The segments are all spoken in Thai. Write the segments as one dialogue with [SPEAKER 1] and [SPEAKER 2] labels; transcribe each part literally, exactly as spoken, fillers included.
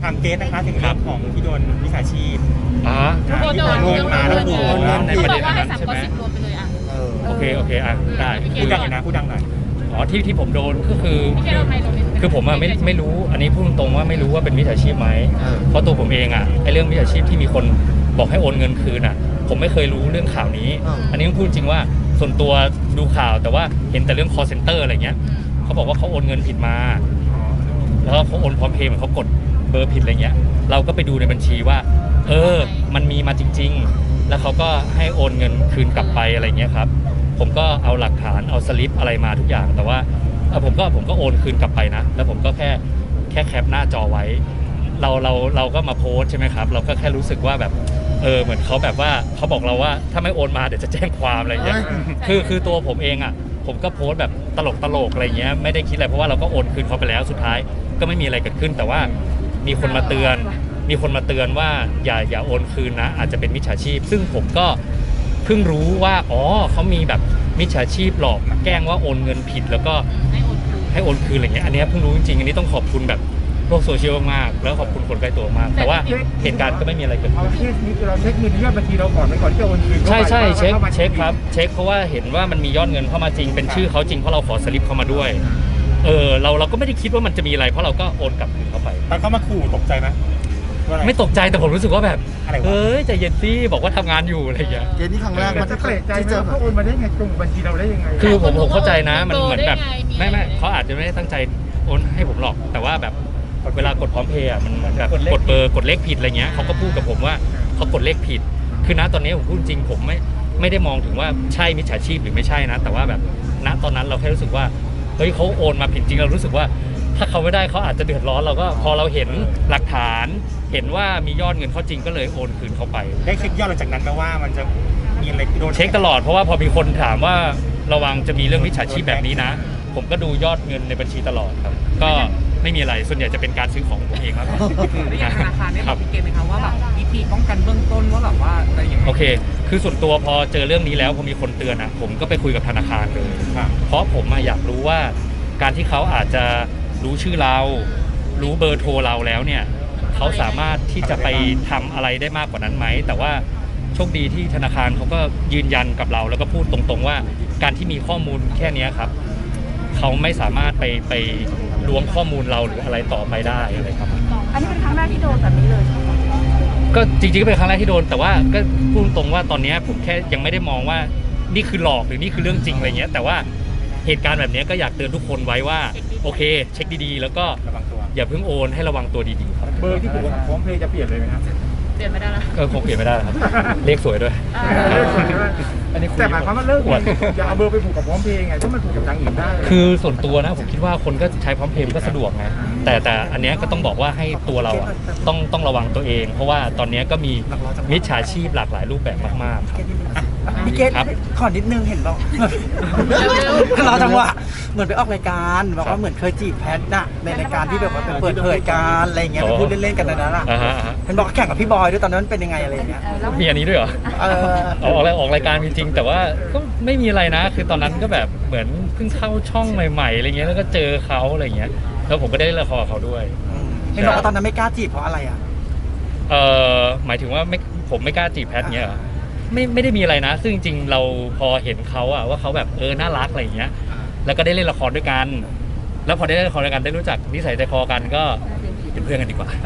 [SPEAKER 1] ามเกสนะคะถึงเรื่องของที่โดนวิชาชีพ
[SPEAKER 2] อ๋อ
[SPEAKER 1] ที่โดนโดนมาแล้วโดน
[SPEAKER 2] ในประเด็นนั้นใช่ไหมโอเคโอเคอ่ะได้
[SPEAKER 1] พูดดังหน่อยนะพูดดังหน่อย
[SPEAKER 2] อ๋อที่ที่ผมโดนก็คือคือผมอะไม่ไม่รู้อันนี้พูดตรงๆว่าไม่รู้ว่าเป็นมิจฉาชีพไหมเพราะตัวผมเองอะไอเรื่องมิจฉาชีพที่มีคนบอกให้โอนเงินคืนอะผมไม่เคยรู้เรื่องข่าวนี้อันนี้ต้องพูดจริงว่าส่วนตัวดูข่าวแต่ว่าเห็นแต่เรื่อง call center อะไรเงี้ยเขาบอกว่าเขาโอนเงินผิดมาแล้วเขาโอนพร้อมเพย์เหมือนเขากดเบอร์ผิดอะไรเงี้ยเราก็ไปดูในบัญชีว่าเออมันมีมาจริงๆแล้วเขาก็ให้โอนเงินคืนกลับไปอะไรเงี้ยครับผมก็เอาหลักฐานเอาสลิปอะไรมาทุกอย่างแต่ว่าผมก็ผมก็โอนคืนกลับไปนะแล้วผมก็แค่แค่แคปหน้าจอไว้เราเราเราก็มาโพสใช่ไหมครับเราก็แค่รู้สึกว่าแบบเออเหมือนเขาแบบว่าเขาบอกเราว่าถ้าไม่โอนมาเดี๋ยวจะแจ้งความอะไรเงี้ยคือคือตัวผมเองอ่ะผมก็โพสแบบตลกตลกอะไรเงี้ยไม่ได้คิดอะไรเพราะว่าเราก็โอนคืนเขาไปแล้วสุดท้ายก็ไม่มีอะไรเกิดขึ้นแต่ว่ามีคนมาเตือนมีคนมาเตือนว่าอย่าอย่าโอนคืนนะอาจจะเป็นมิจฉาชีพซึ่งผมก็เพิ่งรู้ว่าอ๋อเขามีแบบมิจฉาชีพหลอกแกล้งว่าโอนเงินผิดแล้วก็ให้โอนคืนอะไรเงี้ยอันนี้เพิ่งรู้จริงๆอันนี้ต้องขอบคุณแบบโลกโซเชียลมากแล้วขอบคุณคนใกล้ตัวมากแต่ว่าเหตุการณ์ก็ไม่มีอะไรเกิดขึ้น
[SPEAKER 3] เคสนี้เราเช็คเงินยอดบัญชีเราก่อนไปก่อนที่จะโอนคืน
[SPEAKER 2] ใช่ใช่เช็คเช็คครับเช็คเพราะว่าเห็นว่ามันมียอดเงินเข้ามาจริงเป็นชื่อเขาจริงเพราะเราขอสลิปเข้ามาด้วยเออเราเราก็ไม่ได้คิดว่ามันจะมีอะไรเพราะเราก็โอนกลับคืนเข้าไป
[SPEAKER 1] ตอนเขามาขู่ตกใจไหม
[SPEAKER 2] ไม่ตกใจแต่ผมรู้สึกว่าแบบเฮ้ยใจเย็นสิบอกว่าทำงานอยู่อะไรอย่างเงี้ย
[SPEAKER 3] เกณฑ์นี้ครั้งแรกมันจะเกรดใจเจอเขาโอนมาได้ไงตรงบัญชีเราได้ยังไง
[SPEAKER 2] คือผมผมเข้าใจนะมันเหมือนแบบไม่ไม่เขาอาจจะไม่ได้ตั้งใจโอนให้ผมหรอกแต่ว่าแบบเวลากดพร้อมเพย์อ่ะมันเหมือนแบบกดเบอร์กดเลขผิดอะไรเงี้ยเขาก็พูดกับผมว่าเขากดเลขผิดคือณตอนนี้ผมพูดจริงผมไม่ไม่ได้มองถึงว่าใช่มิจฉาชีพหรือไม่ใช่นะแต่ว่าแบบณตอนนั้นเราแค่รู้สึกว่าเฮ้ยเขาโอนมาผิดจริงเรารู้สึกว่าถ้าเขาไม่ได้เขาอาจจะเดือดร้อนเราก็พอเราเห็นหลักฐานเห็นว่ามียอดเงินเขาจริงก็เลยโอนคืนเขาไป
[SPEAKER 1] ได้เช็คยอดหลังจากนั้นไหมว่ามันจะมีอะไรโดน
[SPEAKER 2] เช็คตลอดเพราะว่าพอมีคนถามว่าระวังจะมีเรื่องมิจฉาชีพแบบนี้นะผมก็ดูยอดเงินในบัญชีตลอดครับก็ไม่มีอะไรส่วนใหญ่จะเป็นการซื้อของผมเองครับ
[SPEAKER 4] ได้ยังธนาคารได้บอกพี่เกณฑ์ไหมครับว่าแบบวิธีป้องกันเบื้องต้นว่าแบบว่าอะไรอย่างเงี้ย
[SPEAKER 2] โอเคคือส่วนตัวพอเจอเรื่องนี้แล้วพอมีคนเตือนอ่ะผมก็ไปคุยกับธนาคารเลยเพราะผมอยากรู้ว่าการที่เขาอาจจะรู้ชื่อเรารู้เบอร์โทรเราแล้วเนี่ยเขาสามารถที่จะไปทำอะไรได้มากกว่านั้นไหมแต่ว่าโชคดีที่ธนาคารเขาก็ยืนยันกับเราแล้วก็พูดตรงๆว่าการที่มีข้อมูลแค่นี้ครับเขาไม่สามารถไปไปล้วงข้อมูลเราหรืออะไรต่อไปได้อะไรครับ
[SPEAKER 5] อันนี้เป็นครั้งแรกที่โดนแบบนี้เลยใช่ไหม
[SPEAKER 2] ก็จริงๆก็เป็นครั้งแรกที่โดนแต่ว่าก็พูดตรงว่าตอนนี้ผมแค่ยังไม่ได้มองว่านี่คือหลอกหรือนี่คือเรื่องจริงอะไรเงี้ยแต่ว่าเหตุการณ์แบบนี้ก็อยากเตือนทุกคนไว้ว่าโอเคเช็คดีๆแล้วก็อย่าเพิ่งโอนให้ระวังตัวดีๆครับ
[SPEAKER 3] เบอร์ที่ผูกกับพร้อมเพย์จะเปลี่ยนเลยไหมครับ
[SPEAKER 5] เปลี่ยนไม่ได้แล้ว
[SPEAKER 2] เออคงเปลี่ยนไม่ได้ครับเลขสวยด้วย
[SPEAKER 3] อันนี้แต่หมายความว่าเลิกอย่าเอาเบอร์ไปผูกกับพร้อมเพย์ไงถ้ามันผูกกับทางอื่นได้
[SPEAKER 2] คือส่วนตัวนะผมคิดว่าคนก็ใช้พร้อมเพย์ก็สะดวกไงแต่แต่อันนี้ก็ต้องบอกว่าให้ตัวเราอ่ะต้องต้องระวังตัวเองเพราะว่าตอนนี้ก็มีมิจฉาชีพหลากหลายรูปแบบมากๆครับ
[SPEAKER 4] พี่เกณฑ์ขอนิดนึงเห็นบอกรอจังหวะเหมือนไปออกรายการบอกว่าเหมือนเคยจีบแพทน่ะในรายการที่แบบว่าเปิดเผยการอะไรเงี้ยพูดเล่นๆกันนั่นแหละเห็นบอกแข่งกับพี่บอยด้วยตอนนั้นเป็นยังไงอะไรเงี้ย
[SPEAKER 2] มีอันนี้ด้วยเหรอเออออกออกรายการจริงๆแต่ว่าก็ไม่มีอะไรนะคือตอนนั้นก็แบบเหมือนเพิ่งเข้าช่องใหม่ๆอะไรเงี้ยแล้วก็เจอเขาอะไรเงี้ยแล้วผมก็ได้เล่นละครเขาด้วย
[SPEAKER 4] เห็นบอกว่าตอนนั้นไม่กล้าจีบเพราะอะไรอ่ะ
[SPEAKER 2] เออหมายถึงว่าไม่ผมไม่กล้าจีบแพทเงี้ยไม่ไม่ได้มีอะไรนะซึ่งจริงๆเราพอเห็นเขาอะว่าเขาแบบเออน่ารักอะไรอย่างเงี้ยแล้วก็ได้เล่นละครด้วยกันแล้วพอได้เล่นละครด้วยกันได้รู้จักนิสัยใจคอกันก็เป็นเพื่อนกันดีกว่า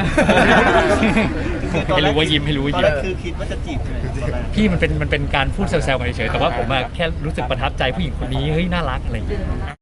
[SPEAKER 2] ให้รู้ว่ายิ้มให้รู้ว่ายิ้ม
[SPEAKER 1] คือคิดว่าจะจีบใช่ไหม
[SPEAKER 2] พี่มันเป็นมันเป็นการพูดแซวๆกันเฉยๆแต่ว่าผมอะแค่รู้สึกประทับใจผู้หญิงคนนี้เฮ้ยน่ารักอะไรอย่างเงี้ย